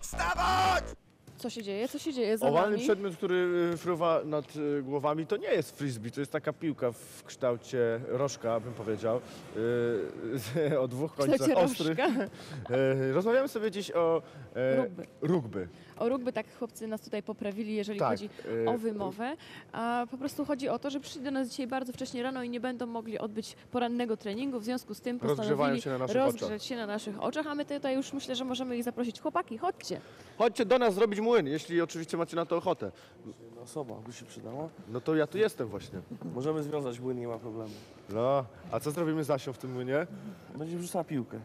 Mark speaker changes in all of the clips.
Speaker 1: Wstawać!
Speaker 2: Co się dzieje? Co się dzieje za
Speaker 1: Owalny
Speaker 2: nami?
Speaker 1: przedmiot, który fruwa nad głowami, to nie jest frisbee, to jest taka piłka w kształcie rożka, bym powiedział, o dwóch końcach
Speaker 2: kształcie
Speaker 1: ostrych. Rozmawiamy sobie dziś o rugby.
Speaker 2: O rugby, tak chłopcy nas tutaj poprawili, jeżeli
Speaker 1: Tak,
Speaker 2: chodzi o wymowę, a po prostu chodzi o to, że przyszli do nas dzisiaj bardzo wcześnie rano i nie będą mogli odbyć porannego treningu, w związku z tym postanowili rozgrzeć się na naszych oczach, a my tutaj już myślę, że możemy ich zaprosić. Chłopaki, chodźcie.
Speaker 1: Chodźcie do nas zrobić młyn, jeśli oczywiście macie na to ochotę.
Speaker 3: Jedna osoba by się przydała.
Speaker 1: No to ja tu jestem właśnie.
Speaker 3: Możemy związać młyn, nie ma problemu.
Speaker 1: No, a co zrobimy z Asią w tym młynie?
Speaker 3: Będzie wrzucała piłkę.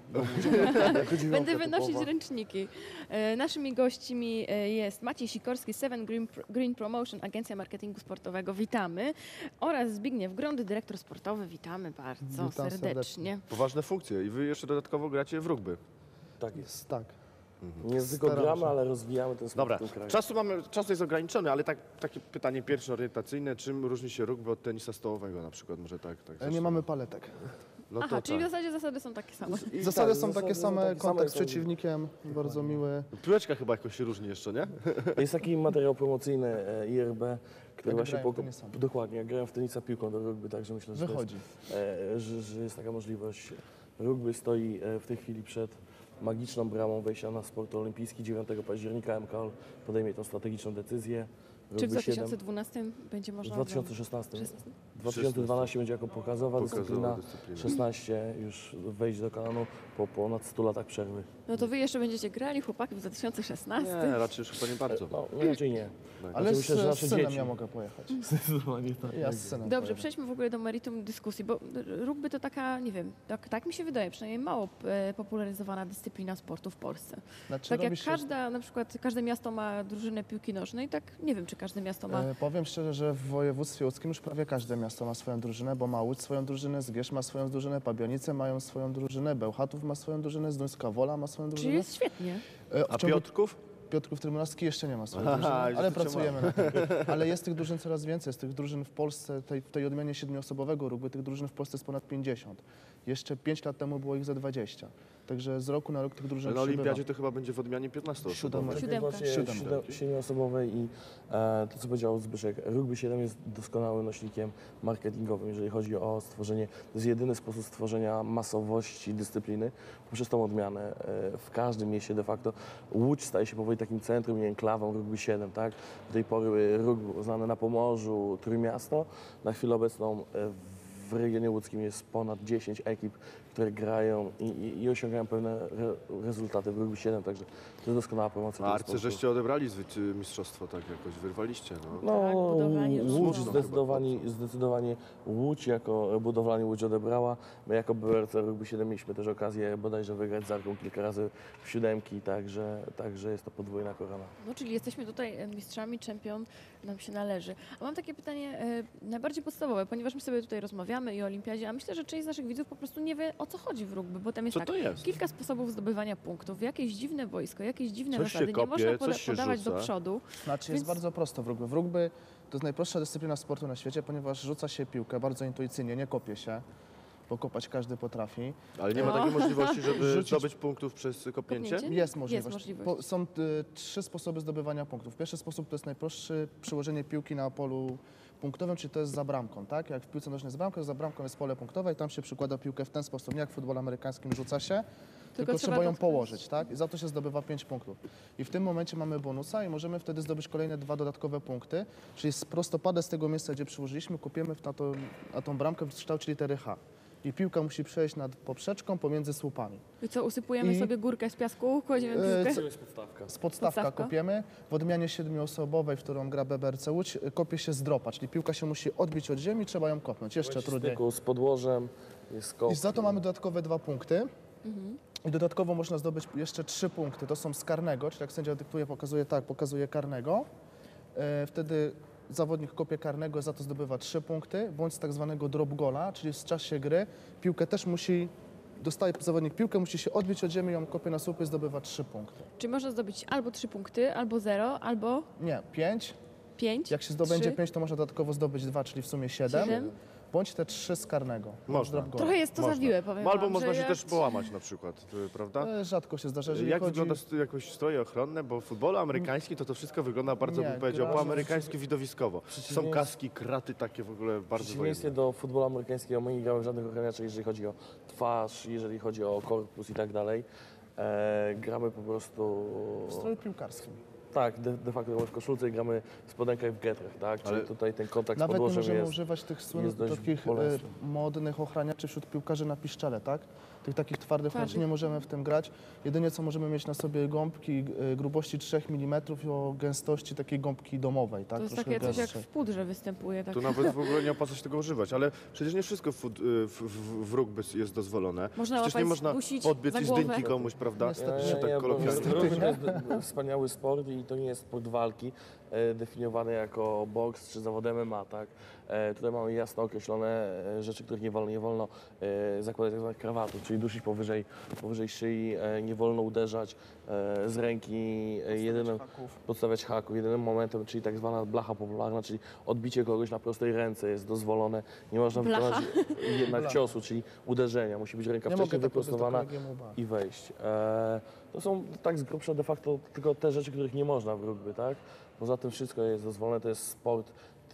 Speaker 2: Będę wynosić ręczniki. Naszymi gośćmi jest Maciej Sikorski, Seven Green Promotion, agencja marketingu sportowego. Witamy. Oraz Zbigniew Grąd, dyrektor sportowy. Witamy bardzo
Speaker 4: Witam
Speaker 2: serdecznie.
Speaker 1: Poważne funkcje i wy jeszcze dodatkowo gracie w rugby.
Speaker 3: Tak jest.
Speaker 4: Tak.
Speaker 3: Nie tylko
Speaker 4: Staram
Speaker 3: gramy,
Speaker 4: się.
Speaker 3: ale rozwijamy ten sport
Speaker 1: Dobra,
Speaker 3: w tym kraju.
Speaker 1: czas jest ograniczony, ale takie pytanie pierwsze orientacyjne. Czym różni się rugby od tenisa stołowego na przykład? Może tak
Speaker 4: Nie
Speaker 1: zacznę.
Speaker 4: mamy paletek.
Speaker 1: No to
Speaker 2: Aha, czyli w
Speaker 1: tak.
Speaker 2: zasadzie zasady są takie same.
Speaker 4: Zasady są takie
Speaker 3: są
Speaker 4: same,
Speaker 3: takie
Speaker 4: kontakt z
Speaker 3: same,
Speaker 4: przeciwnikiem, bardzo miły.
Speaker 1: Piłeczka chyba jakoś się różni jeszcze, nie?
Speaker 3: Jest taki materiał promocyjny IRB, który
Speaker 4: Jak
Speaker 3: właśnie
Speaker 4: grałem w tenisa.
Speaker 3: dokładnie, jak grałem w tenisa piłką do rugby, także myślę, że,
Speaker 4: Wychodzi.
Speaker 3: że jest taka możliwość. Rugby stoi w tej chwili przed magiczną bramą wejścia na sport olimpijski. 9 października MKOL podejmie tą strategiczną decyzję.
Speaker 2: Czy w
Speaker 3: Rugby 7
Speaker 2: 2012 będzie
Speaker 3: w
Speaker 2: można...
Speaker 3: 2016.
Speaker 2: 16?
Speaker 3: 2012 będzie jako pokazowa dyscyplina,
Speaker 1: dyscyplina.
Speaker 3: 16 już wejść do kanonu po ponad 100 latach przerwy.
Speaker 2: No to wy jeszcze będziecie grali, chłopaki, w 2016?
Speaker 1: Nie, raczej już chyba nie bardzo.
Speaker 3: No, raczej nie.
Speaker 4: Ale
Speaker 3: myślę, że
Speaker 4: z
Speaker 3: nasze
Speaker 4: synem
Speaker 3: dzieci.
Speaker 4: ja mogę pojechać.
Speaker 3: Zdecydowanie tak.
Speaker 4: Ja z synem
Speaker 2: Dobrze,
Speaker 4: pojadę.
Speaker 2: przejdźmy w ogóle do meritum dyskusji, bo rugby to taka, nie wiem, tak mi się wydaje, przynajmniej mało popularyzowana dyscyplina sportu w Polsce.
Speaker 4: Znaczy,
Speaker 2: Tak jak
Speaker 4: robi się-
Speaker 2: na przykład każde miasto ma drużynę piłki nożnej, tak nie wiem, czy każde miasto ma...
Speaker 4: Powiem szczerze, że w województwie łódzkim już prawie każde miasto ma swoją drużynę, bo ma Łódź swoją drużynę, Zgierz ma swoją drużynę, Pabianice mają swoją drużynę, Bełchatów ma swoją drużynę, Zduńska Wola ma swoją
Speaker 2: Czyli
Speaker 4: drużynę.
Speaker 2: jest świetnie.
Speaker 1: A Piotrków?
Speaker 4: Piotrków Trybunalski jeszcze nie ma swojej
Speaker 1: Aha,
Speaker 4: drużyny,
Speaker 1: już
Speaker 4: ale
Speaker 1: to cię
Speaker 4: pracujemy na tym. Ale jest tych drużyn coraz więcej, jest tych drużyn w Polsce, w tej odmianie 7-osobowego rugby, tych drużyn w Polsce jest ponad 50. Jeszcze 5 lat temu było ich za 20. Także z roku na rok tych drużyn
Speaker 1: Ale na
Speaker 4: przybywa.
Speaker 1: olimpiadzie to chyba będzie w odmianie 15 osób.
Speaker 4: Siódemej.
Speaker 2: Siódemka.
Speaker 3: Siedmioosobowej i to, co powiedział Zbyszek, rugby 7 jest doskonałym nośnikiem marketingowym, jeżeli chodzi o stworzenie, to jest jedyny sposób stworzenia masowości dyscypliny poprzez tą odmianę w każdym mieście de facto. Łódź staje się powoli takim centrum i enklawą rugby 7, tak? Do tej pory rugby znane na Pomorzu, Trójmiasto, na chwilę obecną w regionie łódzkim jest ponad 10 ekip, które grają i osiągają pewne rezultaty w rugby 7, także to jest doskonała promocja.
Speaker 1: A
Speaker 3: tego
Speaker 1: Arcy
Speaker 3: sportu.
Speaker 1: żeście odebrali mistrzostwo, tak jakoś wyrwaliście, no.
Speaker 3: No,
Speaker 2: Tak, budowlanie
Speaker 3: Łódź
Speaker 2: rzutu.
Speaker 3: zdecydowanie Łódź jako budowlanie Łódź odebrała. My jako BRC Rugby 7 mieliśmy też okazję bodajże wygrać z Arką kilka razy w siódemki, także jest to podwójna korona.
Speaker 2: No, czyli jesteśmy tutaj mistrzami, czempion nam się należy. A mam takie pytanie najbardziej podstawowe, ponieważ my sobie tutaj rozmawiamy i o olimpiadzie, a myślę, że część z naszych widzów po prostu nie wie, o co chodzi w rugby, bo tam jest
Speaker 1: Co
Speaker 2: tak,
Speaker 1: to jest?
Speaker 2: kilka sposobów zdobywania punktów, jakieś dziwne wojsko, jakieś dziwne
Speaker 1: Coś się
Speaker 2: zasady,
Speaker 1: kopie,
Speaker 2: nie można
Speaker 1: coś się
Speaker 2: podawać
Speaker 1: rzuca.
Speaker 2: do przodu.
Speaker 4: Znaczy
Speaker 2: Więc-
Speaker 4: jest bardzo prosto w rugby. W rugby to jest najprostsza dyscyplina sportu na świecie, ponieważ rzuca się piłkę bardzo intuicyjnie, nie kopie się, bo kopać każdy potrafi.
Speaker 1: Ale nie ma
Speaker 2: No.
Speaker 1: takiej możliwości, żeby
Speaker 4: Rzucić-
Speaker 1: zdobyć punktów przez kopnięcie?
Speaker 2: Kopnięcie?
Speaker 4: Jest możliwość.
Speaker 2: Jest możliwość.
Speaker 4: Są 3 sposoby zdobywania punktów. Pierwszy sposób to jest najprostszy, przyłożenie piłki na polu punktowym, czyli to jest za bramką, tak? Jak w piłce nożnej jest bramka, za bramką jest pole punktowe i tam się przykłada piłkę w ten sposób, nie jak w futbolu amerykańskim rzuca się, tylko
Speaker 2: trzeba
Speaker 4: trzeba ją
Speaker 2: dotknąć.
Speaker 4: położyć, tak? I za to się zdobywa 5 punktów. I w tym momencie mamy bonusa i możemy wtedy zdobyć kolejne 2 dodatkowe punkty, czyli z prostopadę z tego miejsca, gdzie przyłożyliśmy, kopiemy na tą bramkę w kształcie litery H. I piłka musi przejść nad poprzeczką pomiędzy słupami.
Speaker 2: I co, usypujemy
Speaker 4: I-
Speaker 2: sobie górkę z piasku, kładziemy piłkę?
Speaker 3: To jest podstawka.
Speaker 4: Z podstawka
Speaker 2: Podstawka.
Speaker 4: kopiemy. W odmianie 7-osobowej, w którą gra BBRC Łódź, kopie się z dropa, czyli piłka się musi odbić od ziemi, trzeba ją kopnąć. Jeszcze trudniej.
Speaker 3: Styku z podłożem jest kop.
Speaker 4: I za to mamy dodatkowe 2 punkty. I dodatkowo można zdobyć jeszcze 3 punkty. To są z karnego, czyli jak sędzia dyktuje, pokazuje karnego. Wtedy zawodnik kopie karnego, za to zdobywa 3 punkty, bądź z tak zwanego drop goala, czyli w czasie gry piłkę też dostaje zawodnik piłkę, musi się odbić od ziemi, ją kopie na słupy, zdobywa 3 punkty.
Speaker 2: Czy można zdobyć albo 3 punkty, albo 0, albo
Speaker 4: Nie, 5.
Speaker 2: 5?
Speaker 4: Jak się zdobędzie
Speaker 2: 3?
Speaker 4: 5, to można dodatkowo zdobyć 2, czyli w sumie 7.
Speaker 2: 7.
Speaker 4: bądź te 3 z karnego.
Speaker 1: Można.
Speaker 4: Drop goal.
Speaker 2: Trochę jest to
Speaker 1: Można.
Speaker 2: zawiłe, powiem
Speaker 1: No, albo
Speaker 2: wam,
Speaker 1: można
Speaker 2: że
Speaker 1: się
Speaker 2: jak-
Speaker 1: też połamać na przykład, prawda?
Speaker 4: Rzadko się zdarza, jeżeli
Speaker 1: Jak
Speaker 4: chodzi...
Speaker 1: wygląda jakoś stroje ochronne, bo w futbolu amerykańskim to wszystko wygląda bardzo,
Speaker 4: Nie,
Speaker 1: bym powiedział,
Speaker 4: gra-
Speaker 1: po amerykańsku widowiskowo. Są
Speaker 3: Przeciwieństwie-
Speaker 1: kaski, kraty takie w ogóle
Speaker 3: W
Speaker 1: bardzo
Speaker 3: przeciwieństwie
Speaker 1: wojenne.
Speaker 3: do futbolu amerykańskiego, my nie gramy żadnych ochraniaczy, jeżeli chodzi o twarz, jeżeli chodzi o korpus i tak dalej. Gramy po prostu...
Speaker 4: W stroju piłkarskim.
Speaker 3: Tak, de facto gramy w koszulce i gramy w spodenkach i w getrach, tak? Czyli
Speaker 1: Ale-
Speaker 3: tutaj ten kontakt z
Speaker 4: Nawet nie
Speaker 3: podłożem
Speaker 4: możemy
Speaker 3: jest...
Speaker 4: używać tych
Speaker 3: jest
Speaker 4: słynnych,
Speaker 3: dość
Speaker 4: takich
Speaker 3: bolesny.
Speaker 4: modnych ochraniaczy wśród piłkarzy na piszczele, tak? Tych takich twardych ochraniaczy
Speaker 2: Twardych.
Speaker 4: nie możemy w tym grać. Jedynie co możemy mieć na sobie gąbki grubości 3 mm i o gęstości takiej gąbki domowej, tak?
Speaker 2: To jest
Speaker 4: Troszkę
Speaker 2: takie coś jak
Speaker 4: gęstszej.
Speaker 2: w pudrze występuje. Tak.
Speaker 1: Tu nawet w ogóle nie opłaca się tego używać, ale przecież nie wszystko w rugby jest dozwolone.
Speaker 2: Można
Speaker 1: Przecież nie
Speaker 2: łapać,
Speaker 1: można
Speaker 2: dusić
Speaker 1: podbiec
Speaker 2: za
Speaker 1: i
Speaker 2: głowę.
Speaker 1: zdjęki komuś, prawda?
Speaker 4: Niestety
Speaker 1: Że tak
Speaker 3: bo
Speaker 1: kolokwialnie.
Speaker 3: rugby to jest wspaniały sport i to nie jest sport walki definiowany jako boks czy zawod MMA, tak? Tutaj mamy jasno określone rzeczy, których nie wolno zakładać tak zwanych krawatów, czyli dusić powyżej szyi, nie wolno uderzać z ręki, jedynym podstawiać haków. Jedynym momentem, czyli tak zwana blacha popularna, czyli odbicie kogoś na prostej ręce jest dozwolone. Nie można
Speaker 2: Blacha?
Speaker 3: wykonać jednak
Speaker 4: Blacha.
Speaker 3: ciosu, czyli uderzenia. Musi być ręka
Speaker 4: Nie
Speaker 3: wcześniej
Speaker 4: mogę tak powiedzieć do
Speaker 3: wyprostowana
Speaker 4: kolegi MUBA.
Speaker 3: i wejść. To są tak z grubsza de facto tylko te rzeczy, których nie można w rugby, tak? Poza tym wszystko jest dozwolone, to jest sport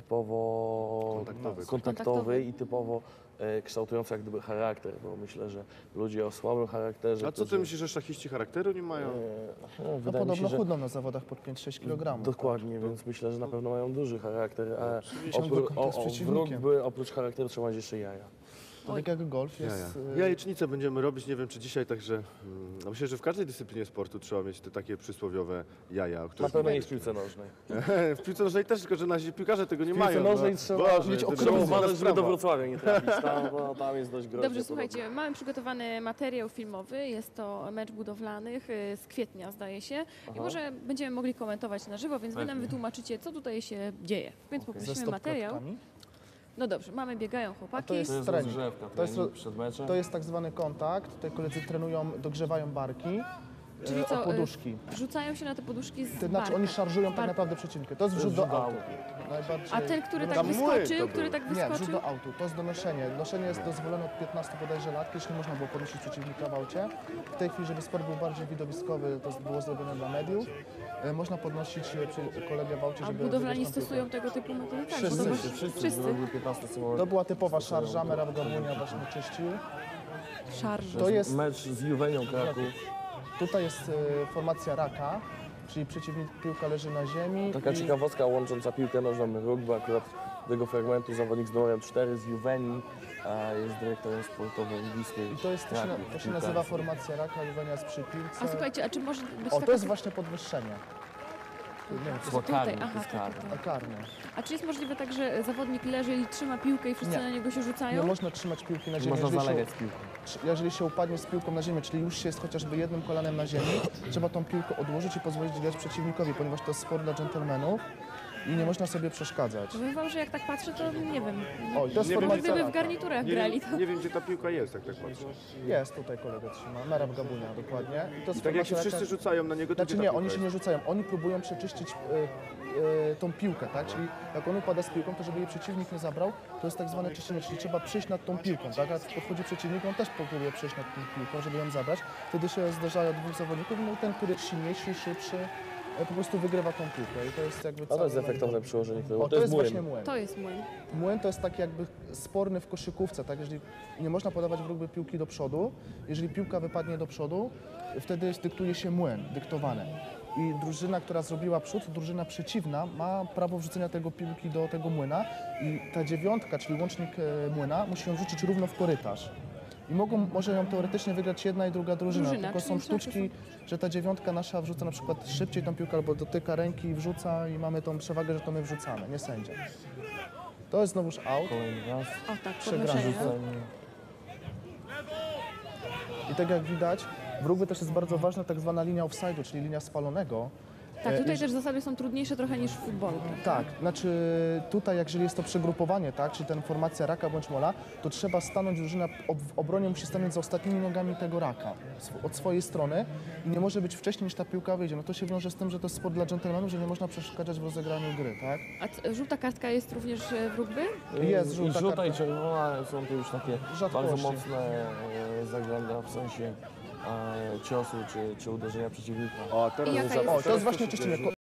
Speaker 3: typowo
Speaker 1: Kontaktowy.
Speaker 3: kontaktowy i typowo kształtujący jak gdyby charakter, bo myślę, że ludzie o słabym charakterze...
Speaker 1: A co ty myślisz, że szachiści charakteru nie mają?
Speaker 4: No
Speaker 3: Wydaje mi
Speaker 4: podobno
Speaker 3: się, że
Speaker 4: chudną na zawodach pod 5-6 kg.
Speaker 3: dokładnie, więc myślę, że na pewno mają duży charakter, a
Speaker 4: Ciągły kontakt z
Speaker 3: w
Speaker 4: przeciwnikiem.
Speaker 3: rugby oprócz charakteru trzeba mieć jeszcze jaja.
Speaker 4: To tak jak golf
Speaker 1: Jaja.
Speaker 4: jest...
Speaker 1: Jajecznicę będziemy robić, nie wiem czy dzisiaj, także myślę, że w każdej dyscyplinie sportu trzeba mieć te takie przysłowiowe jaja, o
Speaker 3: Na
Speaker 1: których
Speaker 3: pewno nie w piłce nożnej.
Speaker 1: w piłce nożnej też, tylko że nasi piłkarze tego nie
Speaker 3: W piłce
Speaker 1: mają.
Speaker 3: nożnej
Speaker 1: no.
Speaker 3: trzeba
Speaker 1: Boże,
Speaker 4: mieć
Speaker 1: to
Speaker 4: okrągłą
Speaker 3: Trzeba
Speaker 1: jest
Speaker 3: uważać,
Speaker 1: inna
Speaker 3: żeby do
Speaker 1: sprawa.
Speaker 3: Wrocławia nie trafić, tam jest dość groźnie.
Speaker 2: Dobrze,
Speaker 3: podobno.
Speaker 2: słuchajcie, mamy przygotowany materiał filmowy, jest to mecz budowlanych z kwietnia, zdaje się, i może będziemy mogli komentować na żywo, więc wy nam wytłumaczycie, co tutaj się dzieje. Więc
Speaker 4: Ze
Speaker 2: poprosimy materiał.
Speaker 4: stopklatkami.
Speaker 2: No dobrze, mamy, biegają chłopaki.
Speaker 4: to jest
Speaker 3: To jest
Speaker 4: trening.
Speaker 3: rozgrzewka,
Speaker 4: To jest-
Speaker 3: trening przed meczem.
Speaker 4: To jest tak zwany kontakt. Tutaj koledzy trenują, dogrzewają barki
Speaker 2: Czyli
Speaker 4: o
Speaker 2: co,
Speaker 4: poduszki.
Speaker 2: Rzucają się na te poduszki z
Speaker 4: To znaczy
Speaker 2: barką.
Speaker 4: oni szarżują tak
Speaker 2: Bar-
Speaker 4: naprawdę przeciwnika. To jest wrzut do autu. Najbardziej...
Speaker 2: A ten, który tak
Speaker 1: Tam młyn
Speaker 2: wyskoczył,
Speaker 1: to
Speaker 2: który
Speaker 1: był.
Speaker 2: tak
Speaker 4: Nie, wrzut
Speaker 2: wyskoczył?
Speaker 4: do autu. To jest donoszenie. Noszenie jest dozwolone od 15 bodajże lat. Kiedyś nie można było podnosić przeciwnika w aucie. W tej chwili, żeby sport był bardziej widowiskowy, to było zrobione dla mediów. Można podnosić kolegę w aucie,
Speaker 2: A
Speaker 4: żeby...
Speaker 2: budowlani
Speaker 4: wygrać tą piłkę.
Speaker 2: stosują tego typu metody? Tak,
Speaker 4: Wszyscy,
Speaker 2: bo to
Speaker 3: Wszyscy.
Speaker 2: wszyscy.
Speaker 3: Były 15 sekund.
Speaker 4: To była typowa szarża, Merab Gabunia właśnie czyścił.
Speaker 2: Szarże.
Speaker 4: To jest...
Speaker 3: Mecz z Juwenią Kraków.
Speaker 4: Tutaj jest formacja raka, czyli przeciwnik, piłka leży na ziemi.
Speaker 3: Taka
Speaker 4: i-
Speaker 3: ciekawostka łącząca piłkę nożną i rugby. Akurat z tego fragmentu zawodnik z numerem 4 z Juwenii a jest dyrektorem sportowym bliskiej
Speaker 4: I to jest, to się nazywa formacja raka, Juwenia jest przy piłce.
Speaker 2: A słuchajcie, a czy może być
Speaker 4: O,
Speaker 2: taka...
Speaker 4: to jest właśnie podwyższenie. Nie wiem, czy
Speaker 3: Chyba
Speaker 2: tutaj,
Speaker 3: karny,
Speaker 2: aha,
Speaker 3: to jest
Speaker 2: tak,
Speaker 3: karny.
Speaker 2: tak.
Speaker 4: karne.
Speaker 2: A czy jest możliwe tak, że zawodnik leży i trzyma piłkę i wszyscy
Speaker 4: Nie.
Speaker 2: na niego się
Speaker 4: Nie
Speaker 2: rzucają?
Speaker 4: można trzymać piłki na ziemi.
Speaker 3: Można
Speaker 4: Jeżeli
Speaker 3: zalegać z piłką.
Speaker 4: jeżeli się upadnie z piłką na ziemię, czyli już się jest chociażby jednym kolanem na ziemi, trzeba tą piłkę odłożyć i pozwolić grać przeciwnikowi, ponieważ to jest sport dla dżentelmenów i nie można sobie przeszkadzać.
Speaker 2: Powiem wam, że jak tak patrzę, to nie wiem.
Speaker 4: O, i to jest
Speaker 1: Nie wiem,
Speaker 2: Może
Speaker 4: formacja
Speaker 2: gdyby w
Speaker 4: raka.
Speaker 2: garniturach
Speaker 1: Nie
Speaker 2: grali,
Speaker 1: wiem,
Speaker 2: to...
Speaker 1: nie wiem, gdzie ta piłka jest, jak tak patrzę.
Speaker 4: Jest, tutaj kolega trzyma, Merab Gabunia, dokładnie. I to jest
Speaker 1: I tak jak się
Speaker 4: formacja
Speaker 1: wszyscy
Speaker 4: raka.
Speaker 1: rzucają na niego, to
Speaker 4: Znaczy
Speaker 1: gdzie ta
Speaker 4: nie,
Speaker 1: piłka
Speaker 4: oni się
Speaker 1: jest?
Speaker 4: nie rzucają, oni próbują przeczyścić tą piłkę, tak? Czyli jak on upada z piłką, to żeby jej przeciwnik nie zabrał, to jest tak zwane czyszczenie, czyli trzeba przyjść nad tą piłką, tak? A podchodzi przeciwnik, on też próbuje przyjść nad tą piłką, żeby ją zabrać. Wtedy się zdarzają dwóch zawodników, no i ten, który jest silniejszy, szybszy, po prostu wygrywa tą piłkę i to jest jakby
Speaker 3: A to jest
Speaker 4: cały-
Speaker 3: efektowne przyłożenie, które
Speaker 4: O, to jest
Speaker 3: młyn.
Speaker 4: właśnie młyn.
Speaker 2: To jest młyn.
Speaker 4: Młyn to jest taki jakby sporny w koszykówce, tak? Jeżeli nie można podawać w rugby piłki do przodu, jeżeli piłka wypadnie do przodu, wtedy dyktuje się młyn, dyktowane. I drużyna, która zrobiła przód, drużyna przeciwna ma prawo wrzucenia tego piłki do tego młyna i ta dziewiątka, czyli łącznik młyna, musi ją wrzucić równo w korytarz. I może ją teoretycznie wygrać jedna i druga drużyna, tylko
Speaker 2: czyli
Speaker 4: są
Speaker 2: szachy
Speaker 4: sztuczki, że ta dziewiątka nasza wrzuca na przykład szybciej tą piłkę albo dotyka ręki i wrzuca i mamy tą przewagę, że to my wrzucamy, nie sędzia. To jest znowuż out.
Speaker 3: Kolejny raz.
Speaker 2: O tak,
Speaker 4: Przegrany
Speaker 2: podnoszenie.
Speaker 4: I tak jak widać, w rugby też jest bardzo ważna tak zwana linia offside'u, czyli linia spalonego.
Speaker 2: Tak, tutaj też zasady są trudniejsze trochę niż w futbolu. Prawda?
Speaker 4: Tak, znaczy tutaj, jeżeli jest to przegrupowanie, tak, czyli ten formacja raka bądź mola, to trzeba stanąć, drużyna w obronie musi stanąć za ostatnimi nogami tego raka od swojej strony i nie może być wcześniej niż ta piłka wyjdzie. No to się wiąże z tym, że to jest sport dla dżentelmenów, że nie można przeszkadzać w rozegraniu gry, tak?
Speaker 2: A żółta kartka jest również w rugby?
Speaker 4: Jest
Speaker 3: I
Speaker 4: żółta
Speaker 3: żółta i
Speaker 4: kartka.
Speaker 3: czerwona są to już takie
Speaker 4: Rzadkości.
Speaker 3: bardzo mocne zagląda w sensie ciosu czy uderzenia przeciwnika.
Speaker 1: O, teraz
Speaker 2: I jaka
Speaker 1: za-
Speaker 2: jest-
Speaker 4: O, to jest właśnie czyszczenie.